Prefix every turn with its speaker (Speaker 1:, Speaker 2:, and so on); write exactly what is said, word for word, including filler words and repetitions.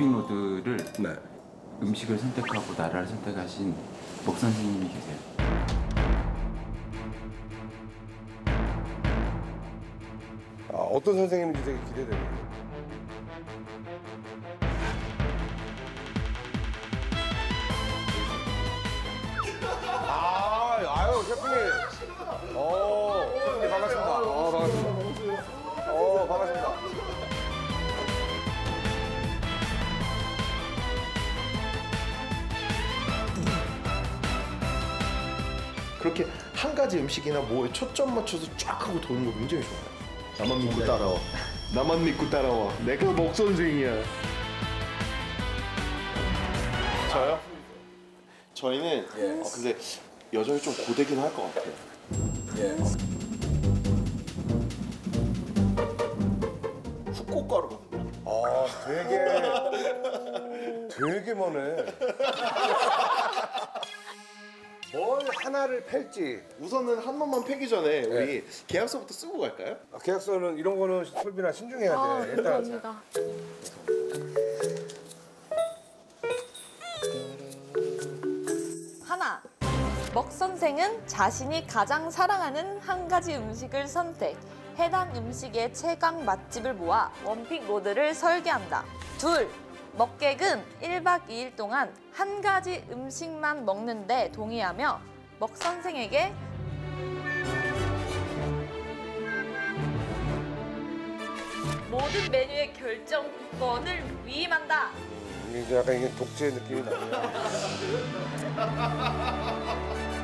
Speaker 1: 원픽로드를
Speaker 2: 네.
Speaker 1: 음식을 선택하고 나라를 선택하신 목 선생님이 계세요.
Speaker 2: 아, 어떤 선생님인지 되게 기대되네요. 아, 아유, 셰프님. 오, 셰프님 반갑습니다. 어, 반갑습니다. 어, 반갑습니다.
Speaker 3: 그렇게 한 가지 음식이나 뭐에 초점 맞춰서 쫙 하고 도는 거 굉장히 좋아요. 나만 믿고 따라와. 나만 믿고 따라와. 내가 목 선생이야. 저요? 저희는 어, 근데 여전히 좀 고되긴 할 것 같아요.
Speaker 2: 예.
Speaker 3: 후쿠오카로 갑니다.
Speaker 2: 아, 되게 되게 머네. 뭘 하나를 팰지.
Speaker 3: 우선은 한 번만 패기 전에 우리 계약서부터 쓰고 갈까요?
Speaker 2: 아, 계약서는 이런 거는 설비나 신중해야 돼.
Speaker 4: 아,
Speaker 2: 일단
Speaker 4: 감사합니다. 하나. 먹 선생은 자신이 가장 사랑하는 한 가지 음식을 선택. 해당 음식의 최강 맛집을 모아 원픽 로드를 설계한다. 둘. 먹객은 일 박 이 일 동안 한 가지 음식만 먹는데 동의하며 먹 선생에게 모든 메뉴의 결정권을 위임한다.
Speaker 2: 이게 약간 이게 독재 느낌이 나네요.